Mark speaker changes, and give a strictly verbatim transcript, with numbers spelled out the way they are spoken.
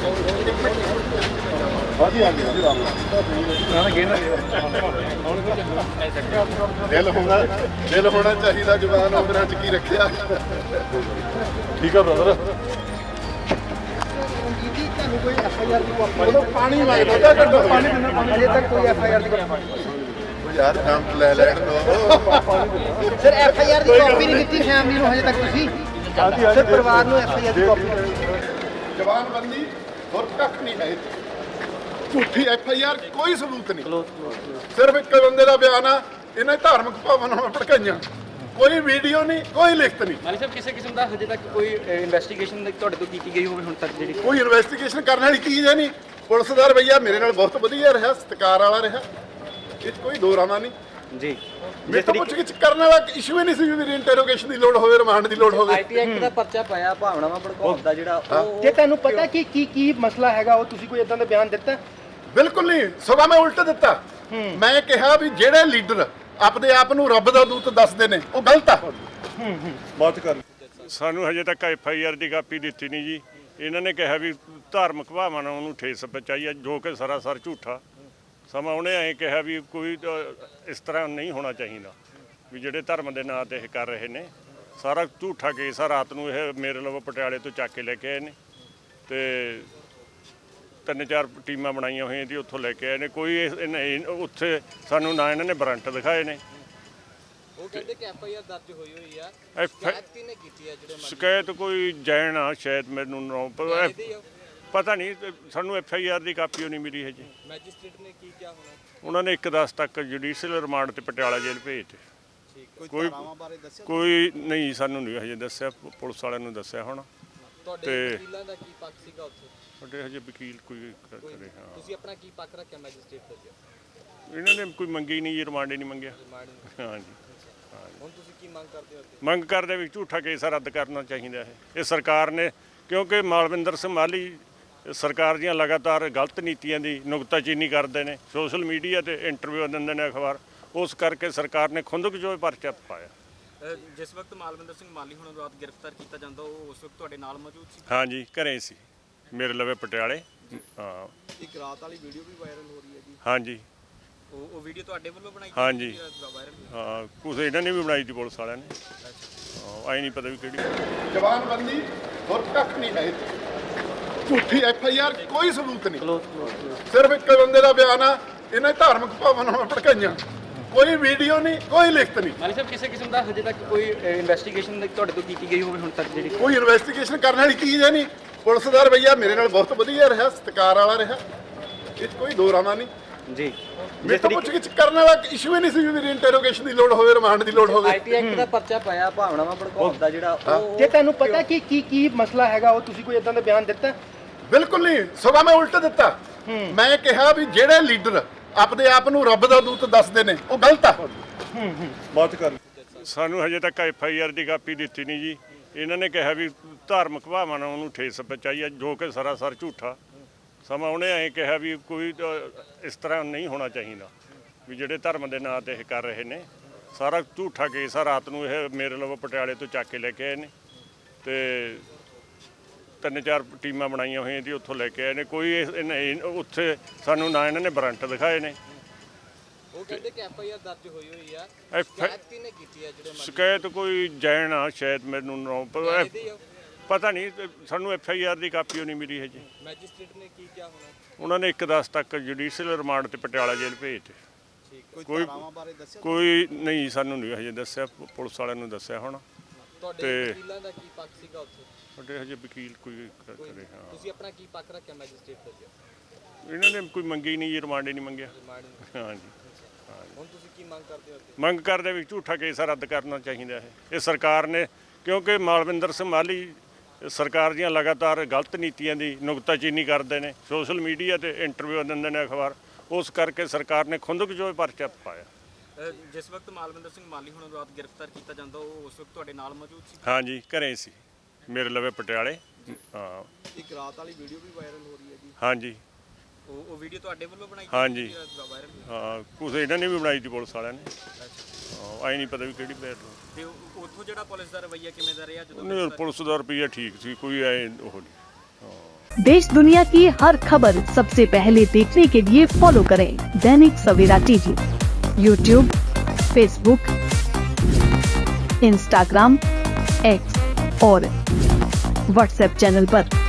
Speaker 1: ਹਾਂਜੀ ਹਾਂਜੀ ਦਿਲ ਹੋਣਾ ਦਿਲ ਹੋਣਾ ਚਾਹੀਦਾ, ਜਵਾਨ ਉਮਰਾਂ ਚ ਕੀ ਰੱਖਿਆ। ਠੀਕ ਆ ਬ੍ਰਦਰ।
Speaker 2: ਤੁਹਾਨੂੰ ਕੋਈ ਐਫ ਆਈ ਆਰ ਦੀ ਕਾਪੀ
Speaker 1: ਪਾਣੀ ਮੰਗਦਾ ਘੱਟੋ ਪਾਣੀ
Speaker 2: ਅਜੇ ਤੱਕ ਕੋਈ ਐਫ ਆਈ ਆਰ ਦੀ
Speaker 1: ਯਾਰ ਨਾਮ ਲੈ ਲੈਣ ਦੋ
Speaker 2: ਸਰ ਐਫ ਆਈ ਆਰ ਦੀ ਕਾਪੀ ਨਹੀਂ ਦਿੱਤੀ ਫੈਮਿਲੀ ਨੂੰ ਹਜੇ ਤੱਕ ਤੁਸੀਂ ਸਰ ਪਰਿਵਾਰ ਨੂੰ ਐਫ ਆਈ ਆਰ ਦੀ ਕਾਪੀ
Speaker 1: ਜਵਾਨਬੰਦੀ ਹੋਰ ਕੱਖ ਨਹੀਂ ਹੈ। ਝੂਠੀ ਐਫ ਆਈ ਆਰ ਕੋਈ ਸਬੂਤ ਨਹੀਂ, ਸਿਰਫ ਇੱਕ ਬੰਦੇ ਦਾ ਬਿਆਨ ਆ, ਇਹਨੇ ਧਾਰਮਿਕ ਭਾਵਨਾਵਾਂ ਭੜਕਾਈਆਂ। ਕੋਈ ਵੀਡੀਓ ਨਹੀਂ, ਕੋਈ ਲਿਖਤ ਨਹੀਂ।
Speaker 3: ਮਾਲੀ ਸਾਹਿਬ ਕਿਸੇ ਕਿਸਮ ਦਾ ਹਜੇ ਤੱਕ ਕੋਈ ਇਨਵੈਸਟੀਗੇਸ਼ਨ ਤੁਹਾਡੇ ਤੋਂ ਕੀਤੀ ਗਈ ਹੋਵੇ ਹੁਣ ਤੱਕ ਜਿਹੜੀ
Speaker 1: ਕੋਈ ਇਨਵੈਸਟੀਗੇਸ਼ਨ ਕਰਨ ਵਾਲੀ ਚੀਜ਼ ਹੈ ਨਹੀਂ। ਪੁਲਿਸ ਦਾ ਰਵੱਈਆ ਮੇਰੇ ਨਾਲ ਬਹੁਤ ਵਧੀਆ ਰਿਹਾ, ਸਤਿਕਾਰ ਵਾਲਾ ਰਿਹਾ, ਇਹ 'ਚ ਕੋਈ ਦੋ ਰਾਮਾ ਨਹੀਂ
Speaker 3: ਜੀ।
Speaker 1: ਮੇਰੇ ਤੋਂ ਪੁੱਛ ਗਿੱਛ ਕਰਨ ਵਾਲਾ ਇਸ਼ੂ ਹੀ ਨਹੀਂ ਸੀ ਵੀ ਮੇਰੀ ਇੰਟਰੋਗੇਸ਼ਨ ਦੀ ਲੋੜ ਹੋਵੇ, ਰਿਮਾਂਡ ਦੀ ਲੋੜ ਹੋਵੇ।
Speaker 3: ਆਈਟੀ ਐਕਟ ਦਾ ਪਰਚਾ ਪਾਇਆ ਭਾਵਨਾਵਾਂ ਭੜਕਾਉਣ ਦਾ ਜਿਹੜਾ ਉਹ
Speaker 2: ਜੇ ਤੁਹਾਨੂੰ ਪਤਾ ਕਿ ਕੀ ਕੀ ਮਸਲਾ ਹੈਗਾ ਉਹ ਤੁਸੀਂ ਕੋਈ ਇਦਾਂ ਦਾ ਬਿਆਨ ਦਿੱਤਾ?
Speaker 1: ਬਿਲਕੁਲ ਨਹੀਂ, ਸਗੋਂ ਮੈਂ ਉਲਟ ਦਿੱਤਾ। ਮੈਂ ਕਿਹਾ ਵੀ ਜਿਹੜੇ ਲੀਡਰ ਆਪਣੇ ਆਪ ਨੂੰ ਰੱਬ ਦਾ ਦੂਤ ਦੱਸਦੇ ਨੇ ਉਹ ਗਲਤ ਆ।
Speaker 4: ਬਾਤ ਕਰ ਸਾਨੂੰ ਹਜੇ ਤੱਕ ਐਫ ਆਈ ਆਰ ਦੀ ਕਾਪੀ ਦਿੱਤੀ ਨਹੀਂ ਜੀ। ਇਹਨਾਂ ਨੇ ਕਿਹਾ ਵੀ ਧਾਰਮਿਕ ਭਾਵਨਾਵਾਂ ਨੂੰ ਠੇਸ ਪਹੁੰਚਾਈ ਹੈ, ਜੋ ਕਿ ਸਰਾਸਰ ਝੂਠਾ। ਸਮਾਂ ਉਹਨੇ ਐਂ ਕਿਹਾ ਵੀ ਕੋਈ ਇਸ ਤਰ੍ਹਾਂ ਨਹੀਂ ਹੋਣਾ ਚਾਹੀਦਾ, ਵੀ ਜਿਹੜੇ ਧਰਮ ਦੇ ਨਾਂ ਤੇ ਇਹ ਕਰ ਰਹੇ ਨੇ ਸਾਰਾ ਝੂਠਾ ਕੇਸ ਆ। ਰਾਤ ਨੂੰ ਇਹ ਮੇਰੇ ਵੱਲੋਂ ਪਟਿਆਲੇ ਤੋਂ ਚੱਕ ਕੇ ਲੈ ਕੇ ਆਏ ਨੇ ਤੇ ਤਿੰਨ ਚਾਰ ਟੀਮਾਂ ਬਣਾਈਆਂ ਹੋਈਆਂ ਸੀ, ਉੱਥੋਂ ਲੈ ਕੇ ਆਏ ਨੇ। ਕੋਈ ਇਹ ਉੱਥੇ ਸਾਨੂੰ ਨਾ ਇਹਨਾਂ ਨੇ ਵਾਰੰਟ ਦਿਖਾਏ ਨੇ।
Speaker 3: ਉਹ ਕਹਿੰਦੇ ਕਿ ਐਫ ਆਈ ਆਰ ਦਰਜ ਹੋਈ ਹੋਈ ਆ।
Speaker 4: ਐਫ
Speaker 3: ਸ਼ਿਕਾਇਤ ਕਿਹਨੇ ਕੀਤੀ ਆ? ਜਿਹੜੇ
Speaker 4: ਸ਼ਿਕਾਇਤ ਕੋਈ ਜੈਨ ਆ ਸ਼ਾਇਦ, ਮੈਨੂੰ ਨਾ ਪਤਾ ਨਹੀਂ, ਸਾਨੂੰ ਐਫ ਆਈ ਆਰ ਦੀ ਕਾਪੀ ਉਹ ਨਹੀਂ ਮਿਲੀ ਹਜੇ।
Speaker 3: ਮੈਜਿਸਟ੍ਰੇਟ ਨੇ ਕੀ ਕਿਹਾ ਹੋਣਾ?
Speaker 4: ਉਹਨਾਂ ਨੇ ਇੱਕ ਦਸ ਤੱਕ ਜੁਡੀਸ਼ੀਅਲ ਰਿਮਾਂਡ ਤੇ ਪਟਿਆਲਾ ਜੇਲ੍ਹ ਭੇਜਤੇ।
Speaker 3: ਠੀਕ।
Speaker 4: ਕੋਈ
Speaker 2: ਬਾਰੇ ਦੱਸਿਆ
Speaker 4: ਕੋਈ ਨਹੀਂ, ਸਾਨੂੰ ਨਹੀਂ ਹਜੇ ਦੱਸਿਆ, ਪੁਲਿਸ ਵਾਲਿਆਂ ਨੂੰ ਦੱਸਿਆ ਹੋਣਾ।
Speaker 3: ਤੁਹਾਡੇ ਵਕੀਲਾਂ ਦਾ ਕੀ ਪੱਖ ਸੀਗਾ ਉੱਥੇ?
Speaker 4: ਸਾਡੇ ਹਜੇ ਵਕੀਲ ਕੋਈ ਕਰੇ। ਹਾਂ,
Speaker 3: ਤੁਸੀਂ ਆਪਣਾ ਕੀ ਪੱਖ ਰੱਖਿਆ ਮੈਜਿਸਟ੍ਰੇਟ ਦਾ?
Speaker 4: ਇਹਨਾਂ ਨੇ ਕੋਈ ਮੰਗੀ ਨਹੀਂ ਜੀ, ਰਿਮਾਂਡ ਹੀ ਨਹੀਂ ਮੰਗਿਆ। ਹਾਂਜੀ।
Speaker 3: ਹੁਣ ਤੁਸੀਂ ਕੀ ਮੰਗ ਕਰਦੇ ਹੋ?
Speaker 4: ਮੰਗ ਕਰਦੇ ਵੀ ਝੂਠਾ ਕੇਸ ਰੱਦ ਕਰਨਾ ਚਾਹੀਦਾ ਹੈ ਇਹ ਸਰਕਾਰ ਨੇ, ਕਿਉਂਕਿ ਮਾਲਵਿੰਦਰ ਸਿੰਘ ਮਾਲੀ ਸਰਕਾਰ ਦੀਆਂ ਲਗਾਤਾਰ ਗਲਤ ਨੀਤੀਆਂ ਦੀ ਨੁਕਤਾਚੀਨੀ ਕਰਦੇ ਨੇ, ਸੋਸ਼ਲ ਮੀਡੀਆ ਤੇ ਇੰਟਰਵਿਊ ਦਿੰਦੇ ਨੇ ਅਖਬਾਰ, ਉਸ ਕਰਕੇ ਸਰਕਾਰ ਨੇ ਖੁੰਦਕ-ਜੋ ਪਰਚਾ ਪਾਇਆ।
Speaker 3: ਜਿਸ ਵਕਤ ਮਾਲਵਿੰਦਰ ਸਿੰਘ ਮਾਲੀ ਹੁਣ ਰਾਤ ਗ੍ਰਿਫਤਾਰ ਕੀਤਾ ਜਾਂਦਾ, ਉਹ ਉਸ ਵਕਤ ਤੁਹਾਡੇ ਨਾਲ ਮੌਜੂਦ ਸੀ?
Speaker 4: ਹਾਂਜੀ, ਘਰੇ ਸੀ ਮੇਰੇ ਲਵੇ ਪਟਿਆਲੇ। ਹਾਂ,
Speaker 2: ਇੱਕ ਰਾਤ ਵਾਲੀ ਵੀਡੀਓ ਵੀ ਵਾਇਰਲ ਹੋ ਰਹੀ ਹੈ ਜੀ।
Speaker 4: ਹਾਂਜੀ।
Speaker 3: ਉਹ ਉਹ ਵੀਡੀਓ ਤੁਹਾਡੇ ਵੱਲੋਂ ਬਣਾਈ
Speaker 4: ਹਾਂਜੀ।
Speaker 3: ਵਾਇਰਲ?
Speaker 4: ਹਾਂ, ਕੁਛ ਇਹਨਾਂ ਨੇ ਵੀ ਬਣਾਈ ਸੀ ਪੁਲਿਸ ਵਾਲਿਆਂ ਨੇ। ਹਾਂ, ਆਈ ਨਹੀਂ ਪਤਾ ਵੀ ਕਿਹੜੀ।
Speaker 1: ਜਵਾਨਬੰਦੀ ਹੋਰ ਕੱਖ ਨਹੀਂ ਹੈ। ਝੂਠੀ ਐਫ ਆਈ ਆਰ ਕੋਈ ਸਬੂਤ ਨਹੀਂ, ਸਿਰਫ ਇੱਕ ਬੰਦੇ ਦਾ ਬਿਆਨ ਆ, ਇਹਨੇ ਧਾਰਮਿਕ ਭਾਵਨਾਵਾਂ ਭੜਕਾਈਆਂ। ਕੋਈ ਵੀਡੀਓ ਨਹੀਂ, ਕੋਈ ਲਿਖਤ ਨਹੀਂ।
Speaker 3: ਮਾਲੀ ਸਾਹਿਬ ਕਿਸੇ ਕਿਸਮ ਦਾ ਹਜੇ ਤੱਕ ਕੋਈ ਇਨਵੈਸਟੀਗੇਸ਼ਨ ਤੁਹਾਡੇ ਤੋਂ ਕੀਤੀ ਗਈ ਹੋਵੇ ਹੁਣ ਤੱਕ ਜਿਹੜੀ
Speaker 1: ਕੋਈ ਇਨਵੈਸਟੀਗੇਸ਼ਨ ਕਰਨ ਵਾਲੀ ਚੀਜ਼ ਹੈ ਨਹੀਂ। ਪੁਲਿਸ ਦਾ ਰਵੱਈਆ ਮੇਰੇ ਨਾਲ ਬਹੁਤ ਵਧੀਆ ਰਿਹਾ, ਸਤਿਕਾਰ ਵਾਲਾ ਰਿਹਾ, ਇਹ 'ਚ ਕੋਈ ਦੋ ਰਾਮਾ ਨਹੀਂ
Speaker 3: ਜੀ।
Speaker 1: ਮੇਰੇ ਤੋਂ ਪੁੱਛ ਗਿੱਛ ਕਰਨ ਵਾਲਾ ਇਸ਼ੂ ਹੀ ਨਹੀਂ ਸੀ ਵੀ ਮੇਰੀ ਇੰਟਰੋਗੇਸ਼ਨ ਦੀ ਲੋੜ ਹੋਵੇ, ਰਿਮਾਂਡ ਦੀ ਲੋੜ ਹੋਵੇ।
Speaker 3: ਆਈਟੀ ਐਕਟ ਦਾ ਪਰਚਾ ਪਾਇਆ ਭਾਵਨਾਵਾਂ ਭੜਕਾਉਣ ਦਾ ਜਿਹੜਾ ਉਹ
Speaker 2: ਜੇ ਤੁਹਾਨੂੰ ਪਤਾ ਕਿ ਕੀ ਕੀ ਮਸਲਾ ਹੈਗਾ ਉਹ ਤੁਸੀਂ ਕੋਈ ਇਦਾਂ ਦਾ ਬਿਆਨ ਦਿੱਤਾ?
Speaker 1: ਬਿਲਕੁਲ ਨਹੀਂ, ਸਗੋਂ ਮੈਂ ਉਲਟ ਦਿੱਤਾ। ਮੈਂ ਕਿਹਾ ਵੀ ਜਿਹੜੇ ਲੀਡਰ ਆਪਣੇ ਆਪ ਨੂੰ ਰੱਬ ਦਾ ਦੂਤ ਦੱਸਦੇ ਨੇ ਉਹ ਗਲਤ ਆ।
Speaker 4: ਬਾਤ ਕਰ ਸਾਨੂੰ ਹਜੇ ਤੱਕ ਐਫ ਆਈ ਆਰ ਦੀ ਕਾਪੀ ਦਿੱਤੀ ਨਹੀਂ ਜੀ। ਇਹਨਾਂ ਨੇ ਕਿਹਾ ਵੀ ਧਾਰਮਿਕ ਭਾਵਨਾਵਾਂ ਨੂੰ ਠੇਸ ਪਹੁੰਚਾਈ ਹੈ, ਜੋ ਕਿ ਸਰਾਸਰ ਝੂਠਾ। ਸਮਾਂ ਉਹਨੇ ਐਂ ਕਿਹਾ ਵੀ ਕੋਈ ਇਸ ਤਰ੍ਹਾਂ ਨਹੀਂ ਹੋਣਾ ਚਾਹੀਦਾ, ਵੀ ਜਿਹੜੇ ਧਰਮ ਦੇ ਨਾਂ ਤੇ ਇਹ ਕਰ ਰਹੇ ਨੇ ਸਾਰਾ ਝੂਠਾ ਕੇਸ ਆ। ਰਾਤ ਨੂੰ ਇਹ ਮੇਰੇ ਵੱਲੋਂ ਪਟਿਆਲੇ ਤੋਂ ਚੱਕ ਕੇ ਲੈ ਕੇ ਆਏ ਨੇ ਤੇ ਤਿੰਨ ਚਾਰ ਟੀਮਾਂ ਬਣਾਈਆਂ ਹੋਈਆਂ ਸੀ, ਉੱਥੋਂ ਲੈ ਕੇ ਆਏ ਨੇ। ਕੋਈ ਇਹ ਉੱਥੇ ਸਾਨੂੰ ਨਾ ਇਹਨਾਂ ਨੇ ਵਾਰੰਟ ਦਿਖਾਏ ਨੇ।
Speaker 3: ਉਹ ਕਹਿੰਦੇ ਕਿ ਐਫ ਆਈ ਆਰ ਦਰਜ ਹੋਈ ਹੋਈ ਆ।
Speaker 4: ਐਫ
Speaker 3: ਸ਼ਿਕਾਇਤ ਕਿਹਨੇ ਕੀਤੀ ਆ? ਜਿਹੜੇ
Speaker 4: ਸ਼ਿਕਾਇਤ ਕੋਈ ਜੈਨ ਆ ਸ਼ਾਇਦ, ਮੈਨੂੰ ਨਾ ਪਤਾ ਨਹੀਂ, ਸਾਨੂੰ ਐਫ ਆਈ ਆਰ ਦੀ ਕਾਪੀ ਉਹ ਨਹੀਂ ਮਿਲੀ ਹਜੇ।
Speaker 3: ਮੈਜਿਸਟ੍ਰੇਟ ਨੇ ਕੀ ਕਿਹਾ ਹੋਣਾ?
Speaker 4: ਉਹਨਾਂ ਨੇ ਇੱਕ ਦਸ ਤੱਕ ਜੁਡੀਸ਼ੀਅਲ ਰਿਮਾਂਡ ਤੇ ਪਟਿਆਲਾ ਜੇਲ੍ਹ ਭੇਜਤੇ।
Speaker 3: ਠੀਕ।
Speaker 4: ਕੋਈ
Speaker 2: ਬਾਰੇ ਦੱਸਿਆ?
Speaker 4: ਕੋਈ ਨਹੀਂ, ਸਾਨੂੰ ਨਹੀਂ ਹਜੇ ਦੱਸਿਆ, ਪੁਲਿਸ ਵਾਲਿਆਂ ਨੂੰ ਦੱਸਿਆ ਹੋਣਾ।
Speaker 3: ਤੁਹਾਡੇ ਵਕੀਲਾਂ ਦਾ ਕੀ ਪੱਖ ਸੀਗਾ ਉੱਥੇ?
Speaker 4: ਸਾਡੇ ਹਜੇ ਵਕੀਲ ਕੋਈ ਕਰੇ। ਹਾਂ,
Speaker 3: ਤੁਸੀਂ ਆਪਣਾ ਕੀ ਪੱਖ ਰੱਖਿਆ ਮੈਜਿਸਟ੍ਰੇਟ ਦਾ?
Speaker 4: ਇਹਨਾਂ ਨੇ ਕੋਈ ਮੰਗੀ ਨਹੀਂ ਜੀ, ਰਿਮਾਂਡ ਹੀ ਨਹੀਂ ਮੰਗਿਆ। ਹਾਂਜੀ।
Speaker 3: ਹੁਣ ਤੁਸੀਂ ਕੀ ਮੰਗ ਕਰਦੇ ਹੋ?
Speaker 4: ਮੰਗ ਕਰਦੇ ਵੀ ਝੂਠਾ ਕੇਸ ਰੱਦ ਕਰਨਾ ਚਾਹੀਦਾ ਹੈ ਇਹ ਸਰਕਾਰ ਨੇ, ਕਿਉਂਕਿ ਮਾਲਵਿੰਦਰ ਸਿੰਘ ਮਾਲੀ ਸਰਕਾਰ ਦੀਆਂ ਲਗਾਤਾਰ ਗਲਤ ਨੀਤੀਆਂ ਦੀ ਨੁਕਤਾਚੀਨੀ ਕਰਦੇ ਨੇ, ਸੋਸ਼ਲ ਮੀਡੀਆ ਤੇ ਇੰਟਰਵਿਊ ਦਿੰਦੇ ਨੇ ਅਖਬਾਰ, ਉਸ ਕਰਕੇ ਸਰਕਾਰ ਨੇ ਖੁੰਦਕ-ਜੋ ਪਰਚਾ ਪਾਇਆ।
Speaker 3: ਜਿਸ ਵਕਤ ਮਾਲਵਿੰਦਰ ਸਿੰਘ ਮਾਲੀ ਹੁਣ ਰਾਤ ਗ੍ਰਿਫਤਾਰ ਕੀਤਾ ਜਾਂਦਾ, ਉਹ ਉਸ ਵਕਤ ਤੁਹਾਡੇ ਨਾਲ ਮੌਜੂਦ ਸੀ?
Speaker 4: ਹਾਂਜੀ, ਘਰੇ ਸੀ ਮੇਰੇ ਲਵੇ ਪਟਿਆਲੇ। ਹਾਂ,
Speaker 2: ਇੱਕ ਰਾਤ ਵਾਲੀ ਵੀਡੀਓ ਵੀ ਵਾਇਰਲ ਹੋ ਰਹੀ ਹੈ ਜੀ।
Speaker 4: ਹਾਂਜੀ।
Speaker 3: ਉਹ ਉਹ ਵੀਡੀਓ ਤੁਹਾਡੇ ਵੱਲੋਂ ਬਣਾਈ
Speaker 4: ਹਾਂਜੀ।
Speaker 3: ਵਾਇਰਲ?
Speaker 4: ਹਾਂ, ਕੁਛ ਇਹਨਾਂ ਨੇ ਵੀ ਬਣਾਈ ਸੀ ਪੁਲਿਸ ਵਾਲਿਆਂ ਨੇ। ਹਾਂ, ਆਈ ਨਹੀਂ ਪਤਾ ਵੀ ਕਿਹੜੀ ਬੈਠ
Speaker 3: ਤੇ ਉੱਥੋਂ ਜਿਹੜਾ ਪੁਲਿਸ ਦਾ ਰਵੱਈਆ ਕਿਵੇਂ ਦਾ ਰਿਹਾ ਜਦੋਂ?
Speaker 4: ਨਹੀਂ, ਪੁਲਿਸ ਦਾ ਰੁਪਈਆ ਠੀਕ ਸੀ, ਕੋਈ ਐ ਉਹ ਨਹੀਂ। ਹਾਂ।
Speaker 5: देश दुनिया की हर खबर सबसे पहले देखने के लिए फॉलो करें Dainik Savera TV, YouTube, Facebook, Instagram, X और व्हाट्सएप चैनल पर।